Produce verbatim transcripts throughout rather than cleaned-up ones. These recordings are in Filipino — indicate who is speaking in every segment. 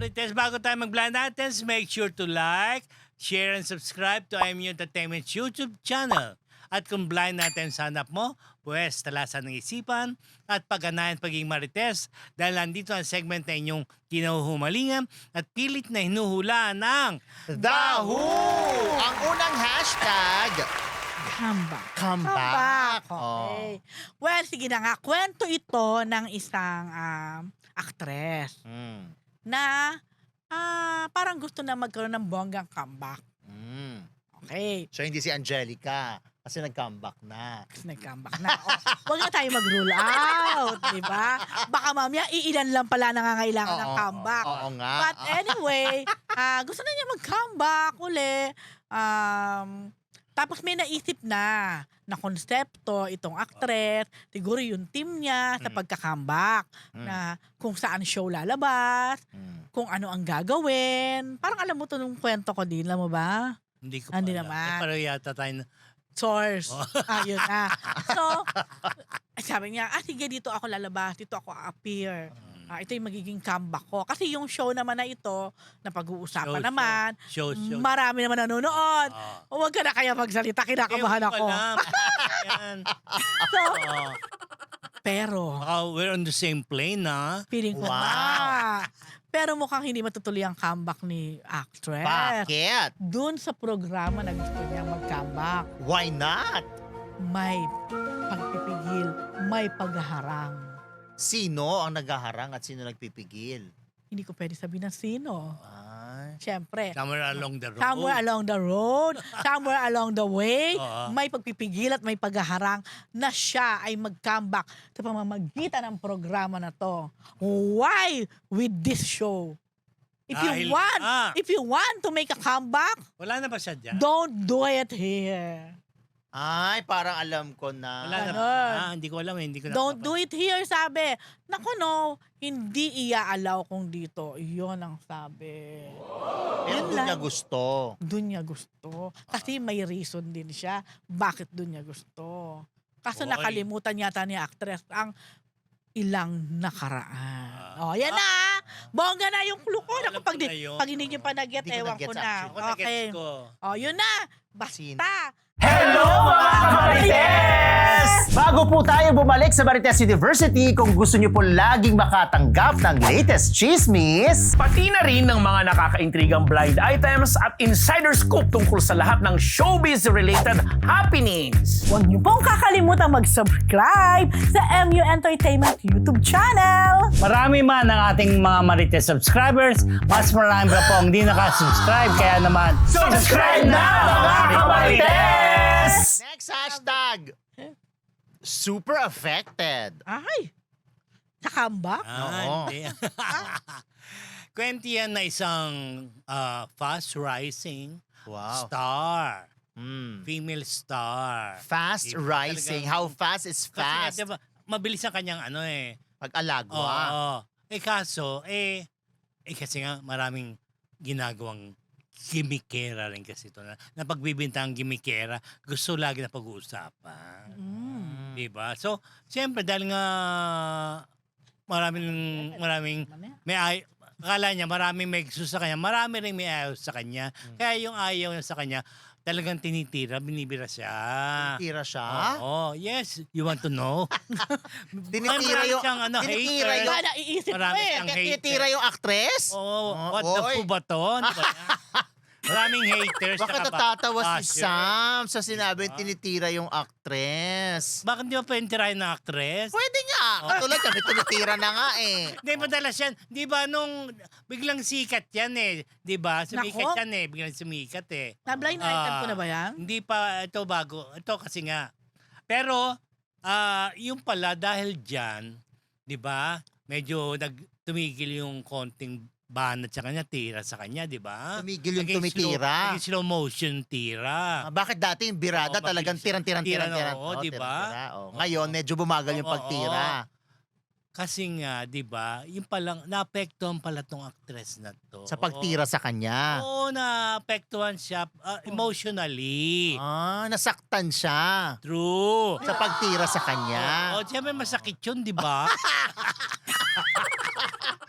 Speaker 1: Marites, bago tayo mag-blind natin, make sure to like, share, and subscribe to I M U Entertainment's YouTube channel. At kung blind natin sa hanap mo, pues talasan ng isipan at pagganahan pagiging Marites dahil nandito ang segment na inyong kinahuhumalingan at pilit na hinuhulaan ng
Speaker 2: Dahu! Ang unang hashtag,
Speaker 3: Comeback.
Speaker 2: comeback.
Speaker 3: Okay. Well, sige na nga. Kwento ito ng isang um, actress
Speaker 2: Oh. Mm.
Speaker 3: na ah, parang gusto na magkaroon ng bonggang comeback.
Speaker 2: Mm.
Speaker 3: Okay.
Speaker 2: So hindi si Angelica kasi nag-comeback na.
Speaker 3: Kasi nag-comeback na. O, huwag na tayo mag-rule out, di ba? Baka mamaya, iilan lang pala nangangailangan ng
Speaker 2: Oo,
Speaker 3: comeback.
Speaker 2: Oo nga.
Speaker 3: But anyway, ah, gusto na niya mag-comeback uli. Um, tapos may naisip na na konsepto itong actress, siguro yung team niya sa
Speaker 2: Mm.
Speaker 3: pagka-comeback,
Speaker 2: Mm.
Speaker 3: na kung saan show lalabas,
Speaker 2: Mm.
Speaker 3: kung ano ang gagawin. Parang alam mo to nung kwento ko din, alam mo ba?
Speaker 1: Hindi ko
Speaker 3: Hindi
Speaker 1: pala.
Speaker 3: naman.
Speaker 1: Eh, pero yata tayo na.
Speaker 3: Source.
Speaker 1: Oh.
Speaker 3: Ayun na. So, sabi niya, ah sige, dito ako lalabas, dito ako appear. Ah, ito yung magiging comeback ko. Kasi yung show naman na ito, na pag-uusapan
Speaker 1: Show,
Speaker 3: naman,
Speaker 1: Show, show.
Speaker 3: marami naman nanonood.
Speaker 1: Ah.
Speaker 3: Huwag ka na kaya magsalita, kinakabahan
Speaker 1: Eh,
Speaker 3: ako.
Speaker 1: wala. Yan.
Speaker 3: So,
Speaker 1: Oh.
Speaker 3: pero,
Speaker 1: Baka we're on the same plane, na.
Speaker 3: feeling ko
Speaker 2: Wow.
Speaker 3: ba? Pero mukhang hindi matutuloy ang comeback ni actress.
Speaker 2: Bakit?
Speaker 3: Doon sa programa na gusto niya mag-comeback,
Speaker 2: Why not?
Speaker 3: may pagpipigil, may pagharang.
Speaker 2: Sino ang naghaharang at sino nagpipigil?
Speaker 3: Hindi ko pwede sabihin ng sino.
Speaker 2: Ay.
Speaker 3: Siyempre,
Speaker 1: Somewhere along the road.
Speaker 3: somewhere along the road, somewhere along the way,
Speaker 1: Oo.
Speaker 3: may pagpipigil at may paghaharang na siya ay mag-comeback sa pamamagitan ng programa na to. Why with this show? If
Speaker 1: Dahil-
Speaker 3: you want,
Speaker 1: ah.
Speaker 3: if you want to make a comeback,
Speaker 1: Wala na ba siya dyan?
Speaker 3: don't do it here.
Speaker 2: Ay, parang alam ko na.
Speaker 1: Wala na ba?
Speaker 3: Ganon.
Speaker 1: Ah, hindi ko alam eh. Hindi ko
Speaker 3: Don't
Speaker 1: napapa-
Speaker 3: do it here, sabi. Naku no, hindi iya-allow kung dito. Iyon ang sabi.
Speaker 2: Pero
Speaker 3: Yun
Speaker 2: doon
Speaker 3: lang.
Speaker 2: niya gusto.
Speaker 3: Doon niya gusto. Kasi may reason din siya bakit doon niya gusto. Kaso
Speaker 1: Oy.
Speaker 3: nakalimutan yata ni actress ang ilang nakaraan.
Speaker 1: Ah.
Speaker 3: Oh, yan na. Bongga na yung clue ko.
Speaker 1: Alam
Speaker 3: Naku, pag,
Speaker 1: ko
Speaker 3: di,
Speaker 1: na yun.
Speaker 3: pag hindi niyo pa nag-get,
Speaker 2: Hindi ko
Speaker 3: ewan
Speaker 2: na-gets
Speaker 3: ko na.
Speaker 1: Ako na
Speaker 3: Okay.
Speaker 1: gets ko.
Speaker 3: Oh, yun na.
Speaker 2: Sino?
Speaker 3: Basta.
Speaker 4: Hello mga Marites! Bago po tayo bumalik sa Marites University, kung gusto niyo po laging makatanggap ng latest chismis,
Speaker 5: Pati na rin ng mga nakakaintrigang blind items at insider scoop tungkol sa lahat ng showbiz-related happenings.
Speaker 3: Huwag niyo pong kakalimutan mag-subscribe sa M U Entertainment YouTube channel.
Speaker 1: Marami man ang ating mga Marites subscribers, mas marami pa po ang hindi nakasubscribe. Kaya naman,
Speaker 4: subscribe na mga Marites!
Speaker 2: Next hashtag, super affected.
Speaker 3: Ay, nakamba?
Speaker 1: Ah,
Speaker 2: Oo.
Speaker 1: hindi. Kwento yan na isang ah, fast-rising
Speaker 2: Wow.
Speaker 1: star.
Speaker 2: Mm.
Speaker 1: Female star.
Speaker 2: Fast
Speaker 1: Diba?
Speaker 2: rising.
Speaker 1: Talagang-
Speaker 2: How fast is
Speaker 1: Kasi nga,
Speaker 2: fast?
Speaker 1: diba, mabilis ang kanyang ano eh.
Speaker 2: Pag-alagwa.
Speaker 1: Oo. Eh kaso, eh, eh kasi nga maraming ginagawang gimikera rin kasi ito na, na pagbibintang gimikera, gusto lagi na pag-uusapan.
Speaker 3: Mm.
Speaker 1: Diba? So, siyempre dahil nga maraming, maraming, may ay, akala niya maraming may gusto sa kanya, marami rin may ayaw sa kanya. Kaya yung ayaw niya sa kanya, talagang tinitira, binibira siya.
Speaker 2: Tira siya.
Speaker 1: Oo, yes. You want to know?
Speaker 2: Tinitira
Speaker 1: Marami
Speaker 2: yung...
Speaker 1: siyang ano,
Speaker 2: tinitira
Speaker 1: hater.
Speaker 2: yung...
Speaker 3: Ba, naiisip ko
Speaker 1: Marami
Speaker 3: eh.
Speaker 1: siyang hater.
Speaker 2: Tinitira yung actress?
Speaker 1: Oh,
Speaker 2: Oh,
Speaker 1: what the
Speaker 2: oy.
Speaker 1: fu ba to? Ano ba yan? Maraming haters.
Speaker 2: Bakit
Speaker 1: saka
Speaker 2: natatawa si
Speaker 1: basher.
Speaker 2: Sam sa sinabi
Speaker 1: Diba?
Speaker 2: tinitira yung actress?
Speaker 1: Bakit di ba pwede tirahin ng actress?
Speaker 2: Pwede nga. Katulad kami, tinitira na nga eh.
Speaker 1: Hindi, madalas yan. Di ba nung biglang sikat yan eh. Di ba? Sumikat
Speaker 3: Nako.
Speaker 1: yan eh. Biglang sumikat eh.
Speaker 3: Na-blind item
Speaker 1: Ah,
Speaker 3: ko na ba yan?
Speaker 1: Hindi pa ito bago. Ito kasi nga. Pero, ah yung pala dahil dyan, di ba? Medyo nag tumigil yung konting banat sa kanya, tira sa kanya, di ba?
Speaker 2: Tumigil yung
Speaker 1: Naging
Speaker 2: tumitira.
Speaker 1: Slow, naging slow motion tira.
Speaker 2: Ah, bakit dati yung birada
Speaker 1: Oo,
Speaker 2: talagang
Speaker 1: mabilis.
Speaker 2: tiran-tiran-tiran?
Speaker 1: Tira na,
Speaker 2: tiran,
Speaker 1: oo,
Speaker 2: oh,
Speaker 1: di ba?
Speaker 2: tiran-tira, oh.
Speaker 1: Oo.
Speaker 2: Ngayon, medyo bumagal yung
Speaker 1: Oo,
Speaker 2: pagtira.
Speaker 1: Kasi nga, di ba, yung palang, naapektuhan pala tong actress na to.
Speaker 2: Sa pagtira sa kanya.
Speaker 1: Oo, naapektuhan siya ah, emotionally.
Speaker 2: Ah, nasaktan siya.
Speaker 1: True.
Speaker 2: Sa pagtira sa kanya.
Speaker 1: Oo, siyempre masakit yun, di ba?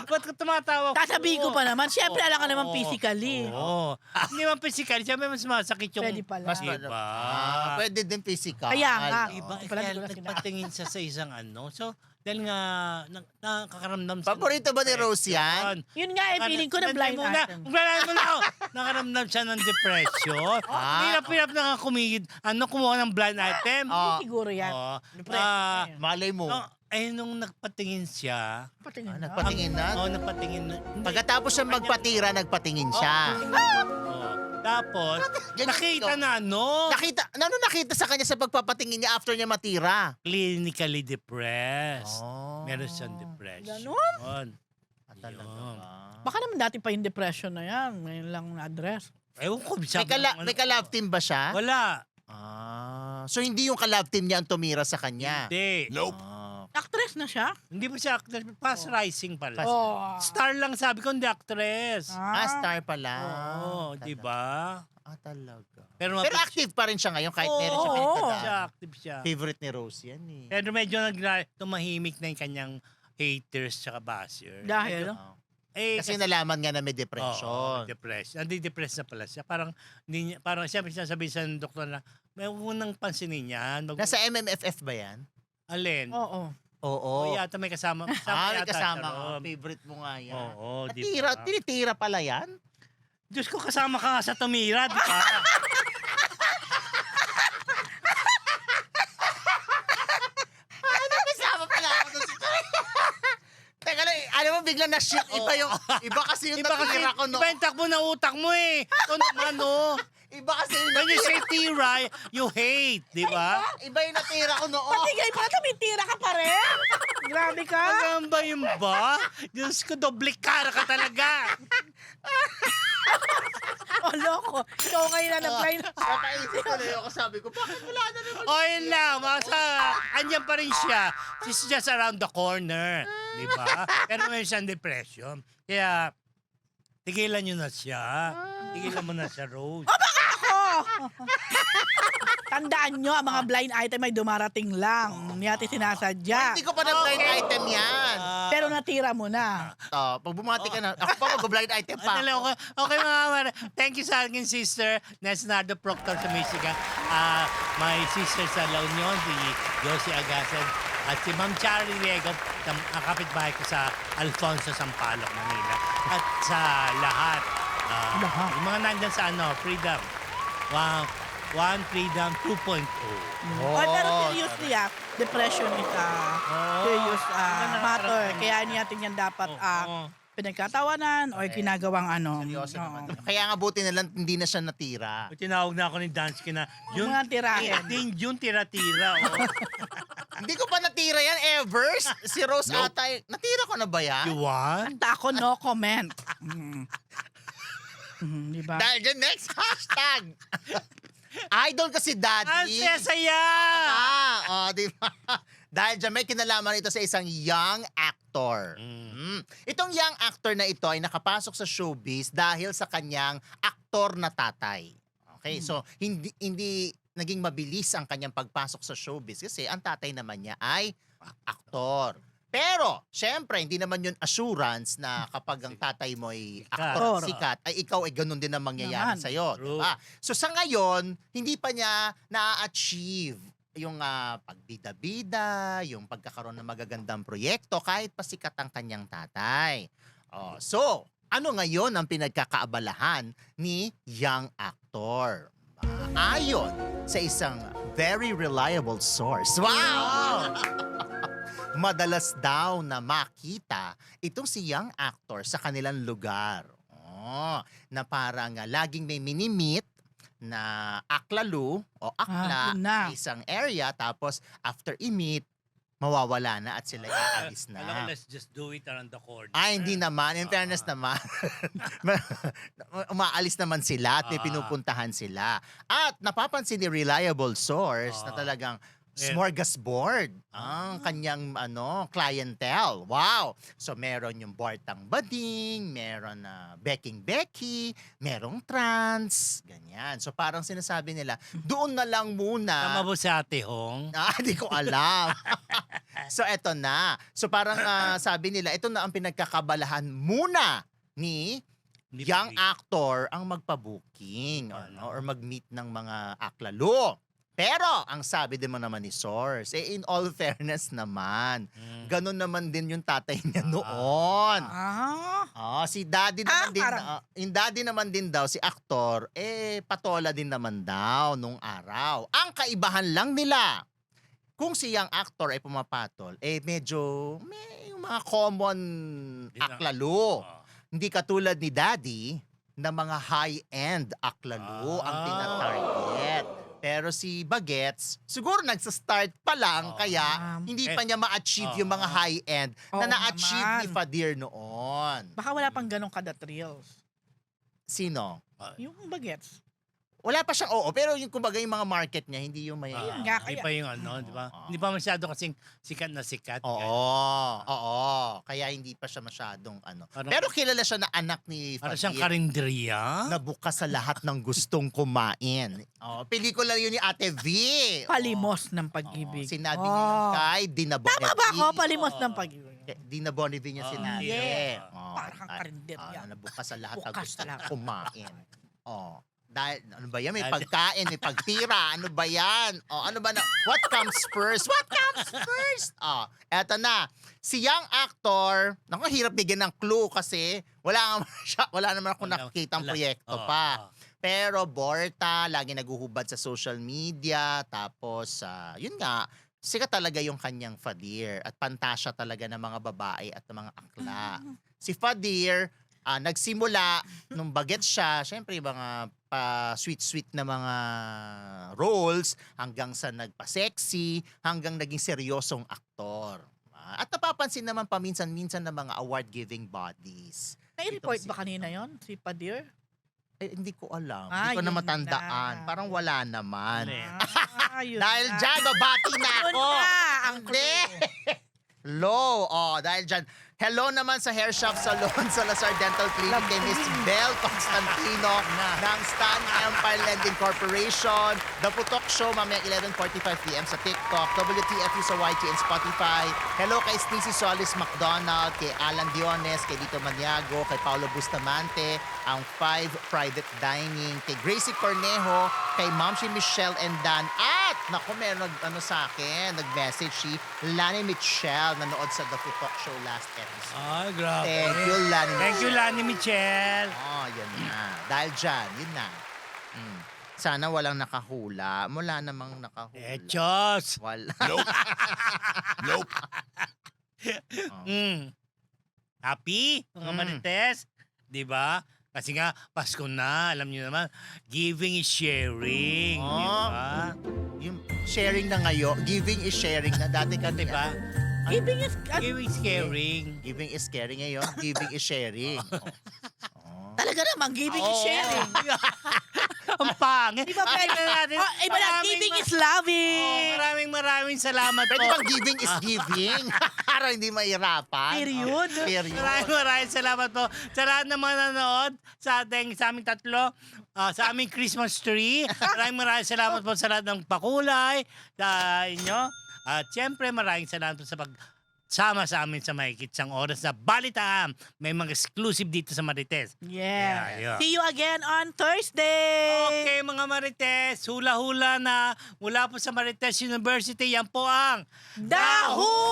Speaker 1: Ba't ka tumatawa?
Speaker 3: Sasabihin ko pa naman, syempre alam ka naman
Speaker 1: Oo.
Speaker 3: physically.
Speaker 1: Oo. Hindi man physical, syempre mas masakit yung...
Speaker 3: Pwede pala.
Speaker 2: Mas
Speaker 1: Diba?
Speaker 2: Ah, pwede din physical.
Speaker 3: Kaya nga.
Speaker 1: Iba,
Speaker 3: Oo,
Speaker 1: eh,
Speaker 3: pala
Speaker 1: kaya
Speaker 3: di ko na sinabi.
Speaker 1: nagpatingin siya sa isang ano. So, dahil nga, na, nakakaramdam siya.
Speaker 2: Paborito ba ni Rose yan?
Speaker 3: Yun nga eh, feeling ko na blind
Speaker 1: muna.
Speaker 3: item.
Speaker 1: Blind mo na ako. Nakaramdam siya ng depression.
Speaker 2: Ah.
Speaker 1: Hirap-hirap na kumigid. Ano, kumuha ng blind item.
Speaker 2: Ah.
Speaker 3: Siguro yan.
Speaker 1: Oo.
Speaker 3: Depression
Speaker 1: Ah,
Speaker 3: na yan.
Speaker 2: Malay mo.
Speaker 1: no, eh, nung nagpatingin siya,
Speaker 3: Patingin
Speaker 2: Ah,
Speaker 3: na.
Speaker 2: nagpatingin na?
Speaker 1: Oo, nagpatingin na. Hindi.
Speaker 2: Pagkatapos siya magpatira, nagpatingin siya.
Speaker 1: Oo. Tapos,
Speaker 2: Ganyan
Speaker 1: nakita
Speaker 2: ikaw.
Speaker 1: na ano,
Speaker 2: Nakita, ano nakita sa kanya sa pagpapatingin niya after niya matira?
Speaker 1: clinically depressed.
Speaker 2: Oh.
Speaker 1: Meron siyang depression.
Speaker 3: Ganon?
Speaker 2: Ah, talaga
Speaker 1: Yun.
Speaker 2: ba?
Speaker 3: Baka naman dati pa yung depression na yan. Ngayon lang na-address.
Speaker 1: Ewan ko.
Speaker 2: May,
Speaker 1: sabi
Speaker 2: kala,
Speaker 1: ng ano
Speaker 2: may
Speaker 1: ko.
Speaker 2: ka-love team ba siya?
Speaker 1: Wala.
Speaker 2: Ah, so hindi yung ka-love team niya ang tumira sa kanya?
Speaker 1: Hindi.
Speaker 2: Ah.
Speaker 3: Actress na siya?
Speaker 1: Hindi pa siya actress. Fast rising pala.
Speaker 2: Fast-
Speaker 3: Oh.
Speaker 1: Star lang sabi ko, hindi actress.
Speaker 2: Ah, star pala.
Speaker 1: Oo,
Speaker 2: Talaga.
Speaker 1: di ba?
Speaker 2: Ah, talaga.
Speaker 1: Pero,
Speaker 2: Pero
Speaker 1: mapit-
Speaker 2: active pa rin siya ngayon kahit meron siya
Speaker 3: Oo.
Speaker 2: pinagdadaan.
Speaker 1: siya, active siya.
Speaker 2: Favorite ni Rose yan eh.
Speaker 1: Pero medyo nag- tumahimik na yung kanyang haters tsaka basher.
Speaker 3: Dahil?
Speaker 2: Ah.
Speaker 1: Eh,
Speaker 2: Kasi nalaman nga na may
Speaker 1: Oo,
Speaker 2: depression.
Speaker 1: depressed. Hindi depressed na pala siya. Parang, hindi niya, parang siyempre sinasabi sa doktor na, may huwag nang pansinin yan. Mag-
Speaker 2: Nasa M M F F ba yan?
Speaker 1: Alin?
Speaker 3: Oo.
Speaker 2: Oo.
Speaker 1: O yata may kasama. kasama
Speaker 2: Ah, may
Speaker 1: yata
Speaker 2: kasama
Speaker 1: siya
Speaker 2: ka.
Speaker 1: ron.
Speaker 2: Favorite mo nga yan.
Speaker 1: Oo, di
Speaker 2: Natira,
Speaker 1: ba?
Speaker 2: tinitira pala yan?
Speaker 1: Diyos ko, kasama ka nga sa tumira, di ba?
Speaker 2: Ano kasama pala ako doon sa Teka lang, alam mo biglang na-shift. Iba yung, iba kasi yung
Speaker 1: Iba kasi,
Speaker 2: natira ko no.
Speaker 1: iba yung takbo ng utak mo eh. Ito naman, oh.
Speaker 2: Iba kasi yung
Speaker 1: When you
Speaker 2: natira,
Speaker 1: say tira, you hate, di ba?
Speaker 2: iba yung natira ko noon.
Speaker 3: Patigay pala, tumitira ka pa rin. Grabe ka.
Speaker 1: Hanggang ba yun ba? Diyos ko, doble cara ka talaga.
Speaker 3: Oh, loko. Ikaw ngayon na nag-blind.
Speaker 2: Napaisip ko na yun. Ako sabi ko, bakit wala na naman?
Speaker 1: O yun lang, masa, andyan pa rin siya. She's just around the corner. Di ba? Pero may siyang depression. Kaya, tigilan nyo na siya. Tigilan mo na siya, Rose.
Speaker 3: Ako! Tandaan nyo, ang mga blind item ay dumarating lang. Hindi natin sinasadya.
Speaker 2: Hindi ko pa na-blind item yan.
Speaker 1: Ah,
Speaker 3: Pero natira mo na.
Speaker 2: Oh, pag bumati ka na, ako pa mag-blind item pa.
Speaker 1: Ano, okay, okay mga kamara. Thank you sa akin sister, Nesnardo Proctor sa Michigan. Ah, my sister sa La Union, si Josie Agasan. At si Ma'am Charlie Riego, ang kapitbahay ko sa Alfonso, Sampaloc, Manila. At sa lahat. ah,
Speaker 3: Lahat.
Speaker 1: Yung mga nandyan sa ano, Freedom. Wow. One Freedom two point oh.
Speaker 2: Oh,
Speaker 3: Oh, pero seriously ah, depression is a serious ah, matter. Kaya hindi natin yan dapat ah,
Speaker 1: Oo.
Speaker 3: pinagkatawanan o ginagawang ano.
Speaker 2: Seryoso
Speaker 3: oo.
Speaker 2: naman. Kaya nga buti na lang hindi na siya natira.
Speaker 1: Tinawag na ako ni Dansky na,
Speaker 3: Yung mga tirahin.
Speaker 1: Yun, yun tira-tira. Oh.
Speaker 2: Hindi ko pa natira yan ever. Si Rose ata, eh, natira ko na ba yan?
Speaker 1: You want?
Speaker 3: At ako no comment. Mm. Mm, di ba?
Speaker 2: Dahil dyan, next hashtag. Idol kasi
Speaker 1: Ang
Speaker 2: daddy.
Speaker 1: saya-saya!
Speaker 2: Ah, oh, di ba? Dahil dyan, may kinalaman ito sa isang young actor. Mm. Itong young actor na ito ay nakapasok sa showbiz dahil sa kanyang aktor na tatay. Okay, so hindi hindi naging mabilis ang kanyang pagpasok sa showbiz kasi ang tatay naman niya ay aktor. Pero, syempre, hindi naman yun assurance na kapag ang tatay mo ay aktor at sikat, ay ikaw ay ganun din ang mangyayari
Speaker 3: Naman.
Speaker 2: sa'yo.
Speaker 1: True.
Speaker 2: Diba? So sa ngayon, hindi pa niya na-achieve yung ah, pagbida-bida, yung pagkakaroon ng magagandang proyekto kahit pa sikat ang kanyang tatay. Oh, so, ano ngayon ang pinagkakaabalahan ni young actor? Ah, ayon sa isang very reliable source. Wow! Madalas daw na makita itong si young actor sa kanilang lugar. Oh, na parang uh, laging may mini-meet na aklalu o akla
Speaker 3: Ah, yun na.
Speaker 2: sa isang area tapos after i-meet, mawawala na at sila aalis
Speaker 1: Alam ko,
Speaker 2: na.
Speaker 1: let's just do it around the corner.
Speaker 2: Ah, hindi naman. In fairness naman, umaalis naman sila at may
Speaker 1: Ah.
Speaker 2: pinupuntahan sila. At napapansin ni reliable source na
Speaker 1: Ah.
Speaker 2: talagang
Speaker 1: Yeah.
Speaker 2: smorgasbord ang kanyang ano clientele. Wow! So meron yung Bartang Bading, meron na Becking Becky, merong trans, ganyan. So parang sinasabi nila, doon na lang
Speaker 1: Tama
Speaker 2: muna.
Speaker 1: ba si Ate Hong?
Speaker 2: Ah, di ko alam. So eto na. So parang ah, sabi nila, ito na ang pinagkakabalahan muna ni
Speaker 1: Hindi
Speaker 2: young
Speaker 1: pa-
Speaker 2: actor ang magpa-booking
Speaker 1: Ano?
Speaker 2: ano, or mag-meet ng mga aklalo. Pero, ang sabi din mo naman ni Source, eh in all fairness naman,
Speaker 1: Mm.
Speaker 2: ganun naman din yung tatay niya noon.
Speaker 3: Ah.
Speaker 2: Ah, si daddy naman
Speaker 3: Ah,
Speaker 2: din,
Speaker 3: parang-
Speaker 2: ah, yung daddy naman din daw, si aktor, eh patola din naman daw nung araw. Ang kaibahan lang nila, kung si young actor ay pumapatol, eh medyo may yung mga common
Speaker 1: Di na-
Speaker 2: aklalo.
Speaker 1: Oh.
Speaker 2: Hindi katulad ni daddy na mga high-end aklalo ang
Speaker 1: Ah.
Speaker 2: tinatarget. Pero si Bagets, siguro nagsa-start pa lang,
Speaker 1: Oh.
Speaker 2: kaya
Speaker 3: Um,
Speaker 2: hindi
Speaker 1: eh,
Speaker 2: pa niya ma-achieve yung mga
Speaker 1: oh.
Speaker 2: high-end na
Speaker 3: Oo
Speaker 2: na-achieve ni
Speaker 3: naman.
Speaker 2: Fadir noon.
Speaker 3: Baka wala pang ganong kada thrills.
Speaker 2: Sino?
Speaker 3: Yung bagets.
Speaker 2: Wala pa siyang oo, pero yung kumbaga yung mga market niya, hindi yung may...
Speaker 1: Ah,
Speaker 3: Ayun nga,
Speaker 1: Hindi
Speaker 3: kaya-
Speaker 1: pa yung ano, di ba?
Speaker 2: Oo.
Speaker 1: Hindi pa masyado kasing sikat na sikat.
Speaker 2: Oo,
Speaker 1: Kaya-
Speaker 2: oo. Kaya hindi pa siya masyadong ano.
Speaker 1: Parang-
Speaker 2: Pero kilala siya na anak ni
Speaker 1: Para siyang
Speaker 2: Fadir.
Speaker 1: karinderya.
Speaker 2: Na bukas sa lahat ng gustong kumain. Oh, pelikula yun ni Ate V.
Speaker 3: Palimos ng
Speaker 2: Oh,
Speaker 3: pag-ibig.
Speaker 2: sinabi
Speaker 3: Oh.
Speaker 2: niya yun kay Dina
Speaker 3: Tama ba
Speaker 2: Bonneville.
Speaker 3: ako? Palimos ng
Speaker 1: Oo.
Speaker 3: pag-ibig.
Speaker 2: Eh, Dina Bonneville niya
Speaker 1: Oo,
Speaker 2: sinabi.
Speaker 3: yes.
Speaker 2: Oh,
Speaker 3: Parang kang
Speaker 2: at-
Speaker 3: karinderya.
Speaker 2: ah, na bukas sa lahat ng
Speaker 3: Bukas
Speaker 2: gusto
Speaker 3: sa lahat.
Speaker 2: kumain. Oh. Dahil, ano ba yan? May
Speaker 1: Dahil-
Speaker 2: pagkain, may pagtira. Ano ba yan? Oh, ano ba na? What comes first? What comes first? Oh, eto na. Si young actor, naku, hirap bigyan ng clue kasi wala naman siya, wala naman ako
Speaker 1: Wala-
Speaker 2: nakikitang
Speaker 1: wala.
Speaker 2: proyekto
Speaker 1: Oo,
Speaker 2: pa.
Speaker 1: oo.
Speaker 2: Pero Borta, lagi naguhubad sa social media. Tapos, ah, yun nga, sikat talaga yung kanyang Fadir. At pantasya talaga ng mga babae at ng mga akla. Si Fadir, ah, nagsimula nung bagets siya, syempre yung mga pa sweet-sweet na mga roles, hanggang sa nagpa-sexy, hanggang naging seryosong aktor. Ah, At napapansin naman paminsan-minsan ng mga award-giving bodies.
Speaker 3: Nai-report
Speaker 2: Itong si-
Speaker 3: ba kanina yon si Padir?
Speaker 2: Eh, hindi ko alam.
Speaker 3: Ah,
Speaker 2: hindi ko na
Speaker 3: yun
Speaker 2: matandaan.
Speaker 3: na.
Speaker 2: Parang wala naman.
Speaker 1: Mali.
Speaker 3: Ah, yun
Speaker 2: Dahil
Speaker 3: na.
Speaker 2: dyan, babati na
Speaker 3: Yun
Speaker 2: ako.
Speaker 3: na ang
Speaker 2: Hindi. Hello. Oh, dahil dyan. Hello naman sa Hair Shop Salon sa Lazar Dental Clinic kay Miss Belle Constantino ng Stan Empire Lending Corporation. The Putok Show mamayang eleven forty-five p m sa TikTok, W T F U sa Y T and Spotify. Hello kay Sneezy Solis McDonald, kay Alan Diones, kay Lito Maniago, kay Paolo Bustamante, ang Five Private Dining, kay Gracie Cornejo, kay Mamshi Michelle and Dan. At, naku, meron nag, ano sa akin, nag-message si Lani Michelle, nanood sa The Putok Show last episode.
Speaker 1: Ay, grabe.
Speaker 2: Thank you, Lani
Speaker 1: Thank you,
Speaker 2: Michelle.
Speaker 1: Lani Michelle.
Speaker 2: Oh, yun na. Dahil dyan, yun na. Mm. Sana walang nakahula. Wala namang nakahula.
Speaker 1: Eh, Diyos.
Speaker 2: Wala.
Speaker 5: Nope. nope.
Speaker 2: Oh.
Speaker 1: Mm. Happy, mga
Speaker 2: Mm.
Speaker 1: Marites? Di ba? Kasi nga, Pasko na. Alam niyo naman, giving is sharing. Di
Speaker 2: Oh.
Speaker 1: ba?
Speaker 2: Yung sharing na ngayon, giving is sharing na. Dati ka,
Speaker 1: Di ba?
Speaker 3: Giving is... ah,
Speaker 1: Giving is caring.
Speaker 2: Giving is caring ngayon, giving is sharing. Oh.
Speaker 3: talaga naman, giving is
Speaker 2: Oo.
Speaker 3: sharing.
Speaker 1: Ang pangit.
Speaker 3: Di ba pwede?
Speaker 1: Tingnan natin.
Speaker 3: Oh, iba na,
Speaker 1: Maraming
Speaker 3: giving
Speaker 1: ma-
Speaker 3: is
Speaker 1: Oh,
Speaker 3: loving.
Speaker 1: maraming maraming salamat
Speaker 2: Pwede
Speaker 1: po.
Speaker 2: bang giving is giving? Para hindi mahirapan.
Speaker 3: Period.
Speaker 2: Oh, period.
Speaker 1: Maraming maraming salamat po sa lahat ng mga nanonood sa ating sa aming tatlo, ah, sa aming Christmas tree. Maraming maraming salamat po sa lahat ng pakulay sa inyo. At siyempre maraming salamat po sa pag sama sa amin sa mahigit isang oras na balitaan. May mga exclusive dito sa Marites.
Speaker 3: Yeah.
Speaker 1: Yeah, yeah.
Speaker 3: See you again on Thursday.
Speaker 1: Okay mga Marites, hula-hula na mula po sa Marites University. Yan po ang
Speaker 3: Dahu!